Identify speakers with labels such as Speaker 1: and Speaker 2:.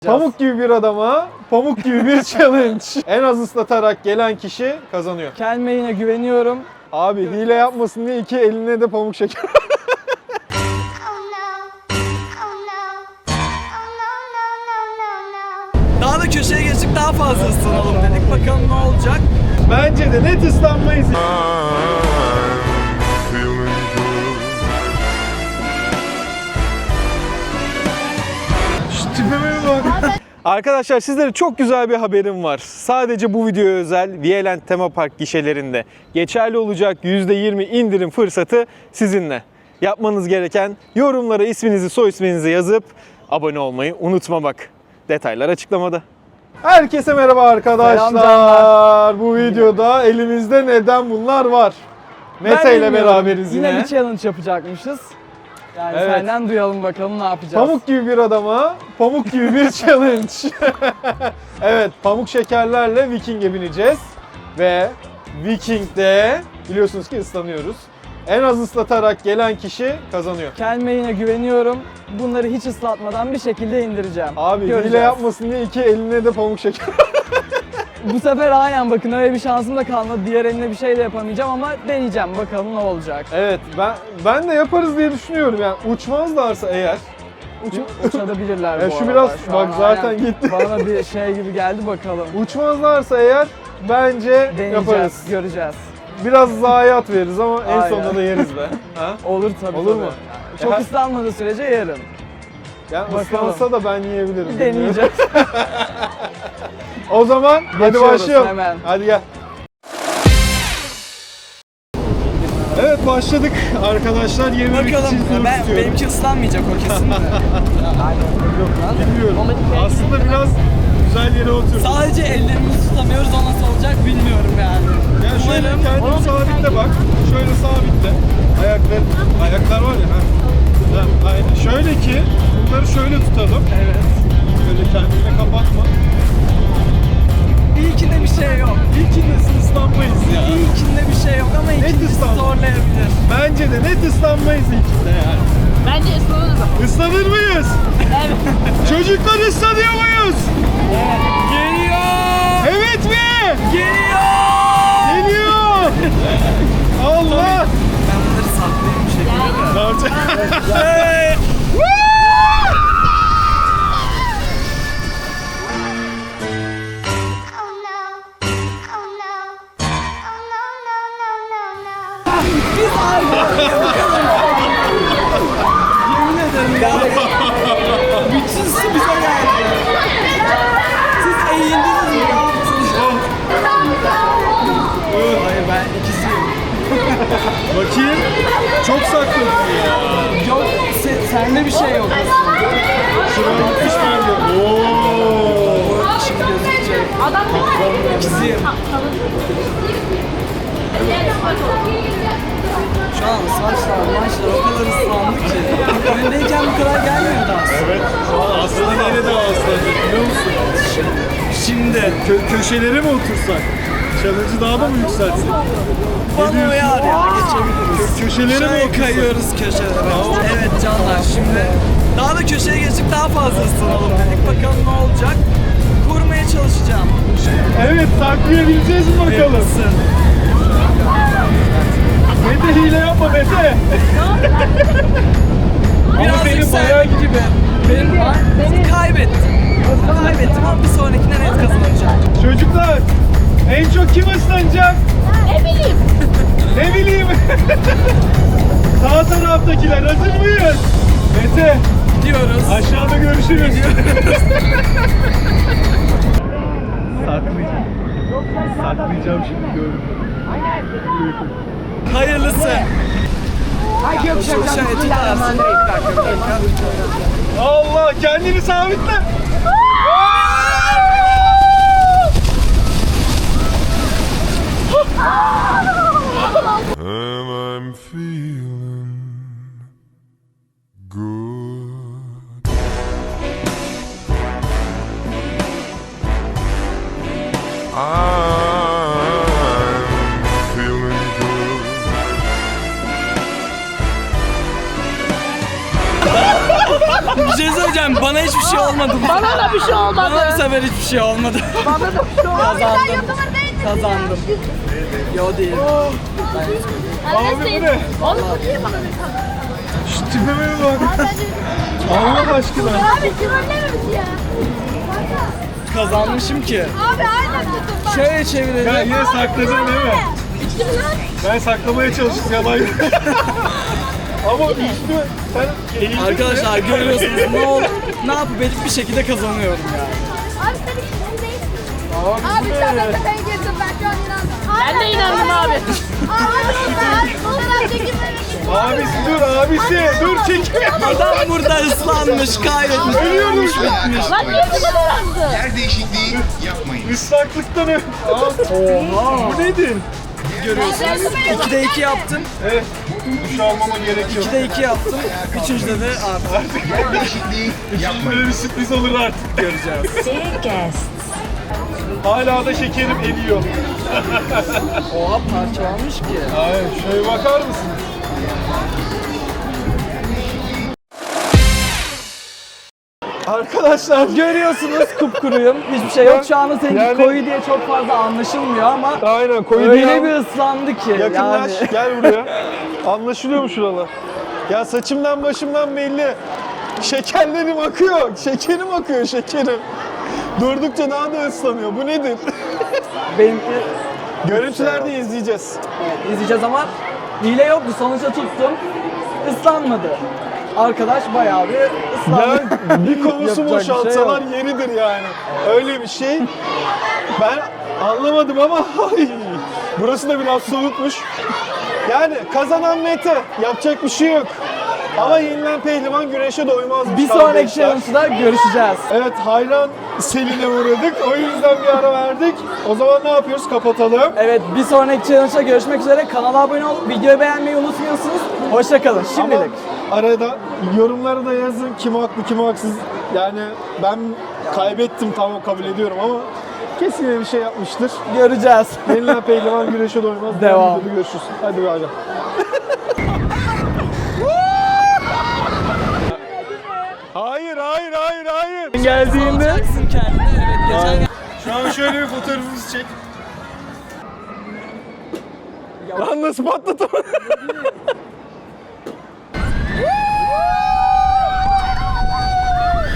Speaker 1: Pamuk gibi bir adama, pamuk gibi bir challenge. En az ıslatarak gelen kişi kazanıyor.
Speaker 2: Kendime yine güveniyorum.
Speaker 1: Abi hile yapmasın diye iki eline de pamuk şeker.
Speaker 2: Daha da köşeye geçtik, daha fazla ıslanalım dedik. Bakalım ne olacak.
Speaker 1: Bence de net ıslanmayız. Şu tipime bir bak. Arkadaşlar sizlere çok güzel bir haberim var. Sadece bu videoya özel Violent Tema Park gişelerinde geçerli olacak %20 indirim fırsatı sizinle. Yapmanız gereken yorumlara isminizi, soy isminizi yazıp abone olmayı unutmamak. Detaylar açıklamada. Herkese merhaba arkadaşlar. Bu videoda elimizde neden bunlar var. Mete ile beraberiz yine.
Speaker 2: Yine bir challenge yapacakmışız. Yani
Speaker 1: Evet.
Speaker 2: senden duyalım bakalım ne yapacağız.
Speaker 1: Pamuk gibi bir adama, pamuk gibi bir challenge. Evet, pamuk şekerlerle Viking'e bineceğiz. Ve Viking'de biliyorsunuz ki ıslanıyoruz. En az ıslatarak gelen kişi kazanıyor.
Speaker 2: Kendime yine güveniyorum. Bunları hiç ıslatmadan bir şekilde indireceğim.
Speaker 1: Abi
Speaker 2: Göreceğiz.
Speaker 1: hile yapmasın diye iki eline de pamuk şeker.
Speaker 2: Bu sefer aynen bakın öyle bir şansım da kalmadı. Diğer eline bir şey de yapamayacağım ama deneyeceğim bakalım ne olacak.
Speaker 1: Evet, ben de yaparız diye düşünüyorum yani. Uçmazlarsa eğer.
Speaker 2: Uçabilirler bu
Speaker 1: Ya şu
Speaker 2: arada.
Speaker 1: biraz
Speaker 2: Şu
Speaker 1: bak
Speaker 2: an
Speaker 1: zaten
Speaker 2: aynen
Speaker 1: gitti.
Speaker 2: Bana bir şey gibi geldi bakalım.
Speaker 1: Uçmazlarsa eğer bence
Speaker 2: Deneyeceğiz,
Speaker 1: yaparız.
Speaker 2: göreceğiz.
Speaker 1: Biraz zayiat veririz ama en
Speaker 2: Aynen.
Speaker 1: sonunda da yeriz be. Ha?
Speaker 2: Olur tabii.
Speaker 1: Olur
Speaker 2: tabii.
Speaker 1: mu?
Speaker 2: Çok
Speaker 1: Ya-
Speaker 2: ıslanmadığı sürece yarın.
Speaker 1: Yani
Speaker 2: Bakalım.
Speaker 1: ıslansa da ben yiyebilirim.
Speaker 2: Deneyeceğiz.
Speaker 1: O zaman hadi
Speaker 2: Geçiyoruz
Speaker 1: başlayalım.
Speaker 2: hemen.
Speaker 1: Hadi gel. Evet başladık arkadaşlar. 20
Speaker 2: Bakalım benimki ıslanmayacak o kesin de.
Speaker 1: Bilmiyorum. Aslında biraz güzel yere oturduk.
Speaker 2: Sadece ellerimizi tutamıyoruz, o nasıl olacak bilmiyorum yani.
Speaker 1: Yani şöyle kendini sabitle bak. Şöyle sabitle. Ayaklar var ya. Ha, aynen. Şöyle ki bunları şöyle tutalım.
Speaker 2: Evet.
Speaker 1: Böyle kendini kapatma.
Speaker 2: İlkinde bir şey yok.
Speaker 1: İlkinde ıslanmayız ya.
Speaker 2: İlkinde bir şey yok ama ikincisi
Speaker 1: ıslanma.
Speaker 2: zorlayabilir.
Speaker 1: Bence de net ıslanmayız ilkinde yani.
Speaker 3: Bence ıslanırız ama.
Speaker 1: Islanır mıyız?
Speaker 3: Evet.
Speaker 1: Çocuklar ıslanıyor muyuz?
Speaker 2: Geliyor!
Speaker 1: Evet mi?
Speaker 2: Geliyor!
Speaker 1: Geliyor. Allah.
Speaker 2: Ben bunları saklayayım bir şekilde.
Speaker 1: Ne yapacak?
Speaker 2: Hey! Biz ayrılıyoruz. Yemin ederim ya. Bütün su bize geldi. Siz eğildiniz mi? Ne yaptınız? Hayır ben ikisiyim.
Speaker 1: Bakayım. Çok saklı ya.
Speaker 2: Yok sende bir şey yok aslında.
Speaker 1: Şuraya bakmış bende. Oo.
Speaker 2: Şimdi gözükecek.
Speaker 3: Adam
Speaker 2: İkisiyim. Şu an saçlar, maçlar o kadar ıslandı ki. Öndeyken bu kadar gelmiyordu aslında.
Speaker 1: Evet. Şu an aslında nerede aslandı biliyor musun?
Speaker 2: Şimdi.
Speaker 1: Köşelere mi otursak? Challenge'ı daha da mı yükseltsek?
Speaker 2: Bana uyar ya, geçebiliriz.
Speaker 1: Köşelere mi
Speaker 2: Şöyle
Speaker 1: otursak?
Speaker 2: kayıyoruz köşelere. Evet canlar, şimdi daha da köşeye geçtik, daha fazla ıslanalım dedik. Bakalım ne olacak. Kurmaya çalışacağım.
Speaker 1: Evet, saklayabileceğiz mi bakalım?
Speaker 2: Hayırlısı.
Speaker 1: Mete hile yapma Mete. Ama
Speaker 2: Birazcık
Speaker 1: senin
Speaker 2: sen
Speaker 1: bayağı
Speaker 2: gibi. Beni kaybettim. Kaybettim ama bir sonrakine net kazanacağım.
Speaker 1: Çocuklar, en çok kim ıslanacak?
Speaker 3: ne bileyim.
Speaker 1: Ne bileyim. Sağ taraftakiler hazır mıyız? Mete,
Speaker 2: Diyoruz.
Speaker 1: aşağıda görüşürüz. Saklayacağım şimdi gördüm.
Speaker 2: Hayırlısı. Şöyle tutarsın.
Speaker 1: Allah, kendini sabitle.
Speaker 4: And I'm feeling good. I'm feeling good.
Speaker 2: Bir şey söyleyeceğim. Bana hiç hiçbir şey olmadı.
Speaker 3: Bana da bir şey olmadı.
Speaker 2: Bana bu sefer hiçbir şey olmadı.
Speaker 3: Bana da bir şey olmadı.
Speaker 2: Kazandım. Kazandım. Yo değil.
Speaker 1: Abi bu ne?
Speaker 3: Oğlum bu niye bana bir tane?
Speaker 1: Şu tipime bir bak. Allah aşkına.
Speaker 3: Abi trollememiş ya.
Speaker 2: Kazanmışım ki.
Speaker 3: Abi aynen tutun bak.
Speaker 2: Şöyle
Speaker 1: Ben
Speaker 2: çevirelim.
Speaker 1: yine sakladım değil mi?
Speaker 3: İçtim lan.
Speaker 1: Ben saklamaya çalıştım yalan. Ama üstü sen eğildin mi?
Speaker 2: Arkadaşlar görüyorsunuz ne yapıp edip bir şekilde kazanıyorum yani.
Speaker 3: Abi sen hiç değilsin. Abi sen de ben girdim ben şu an inandım. Ben de inandım abi. Abi fotoğraf çekilmemek için.
Speaker 1: Abisi dur abisi dur çekme.
Speaker 2: Adam burada ıslanmış, kaybetmiş, ölmüş, bitmiş.
Speaker 3: Lan niye bu kadar azdı?
Speaker 5: Yer değişikliği yapmayın.
Speaker 1: Islaklıktan öp.
Speaker 2: Oha.
Speaker 1: Bu nedir?
Speaker 2: Görüyorsunuz. 2'de 2 yaptım.
Speaker 1: Evet. Duş almama gerek yok.
Speaker 2: 2'de 2 yaptım. 3'üncüde de artık
Speaker 5: Yer değişikliği yapmayın.
Speaker 1: Böyle bir sürpriz olur artık göreceğiz. Hala da şekerim eriyor.
Speaker 2: oha parçalanmış ki.
Speaker 1: Hayır, şöyle bakar mısınız? Arkadaşlar
Speaker 2: Görüyorsunuz kupkuruyum. Hiçbir şey yok. Şu anda seninki
Speaker 1: Yani-
Speaker 2: koyu diye çok fazla anlaşılmıyor ama
Speaker 1: aynen koyu
Speaker 2: öyle
Speaker 1: değil
Speaker 2: bir
Speaker 1: ama-
Speaker 2: ıslandı ki
Speaker 1: Yakınlaş,
Speaker 2: yani.
Speaker 1: gel buraya. Anlaşılıyor mu şuralar? Ya saçımdan başımdan belli. Şekerlerim akıyor, şekerim akıyor, şekerim. Durdukça daha da ıslanıyor. Bu nedir?
Speaker 2: Benimki
Speaker 1: Görüntülerde izleyeceğiz.
Speaker 2: izleyeceğiz ama hile yoktu. Sonuçta tuttum. Islanmadı. Arkadaş bayağı bir ıslandı.
Speaker 1: Ya bir konusu
Speaker 2: Yapacak bir şey
Speaker 1: boşaltsalar
Speaker 2: yok.
Speaker 1: yeridir yani. Öyle bir şey. Ben anlamadım ama ay, burası da biraz soğukmuş. Yani kazanan Mete. Yapacak bir şey yok. Ama yenilen pehlivan güreşe doymazmış.
Speaker 2: Bir sonraki
Speaker 1: kardeşler.
Speaker 2: challenge'da görüşeceğiz.
Speaker 1: Evet, hayran seline uğradık. O yüzden bir ara verdik. O zaman ne yapıyoruz? Kapatalım.
Speaker 2: Evet, bir sonraki challenge'da görüşmek üzere. Kanala abone olup videoyu beğenmeyi unutmuyorsunuz. Hoşça kalın. Şimdilik.
Speaker 1: Ama arada yorumlara da yazın kim haklı kim haksız. Yani ben kaybettim, tamam kabul ediyorum ama kesin bir şey yapmıştır.
Speaker 2: Göreceğiz.
Speaker 1: Yenilen pehlivan güreşe doymaz.
Speaker 2: Devam.
Speaker 1: Videoda görüşürüz. Hadi bay bay. Hayır, hayır, hayır, hayır.
Speaker 2: Geldiğinde Alacaksın kendine. Evet, geçen
Speaker 1: Şu an şöyle bir fotoğrafımızı çek. Lan nasıl patlatamadım?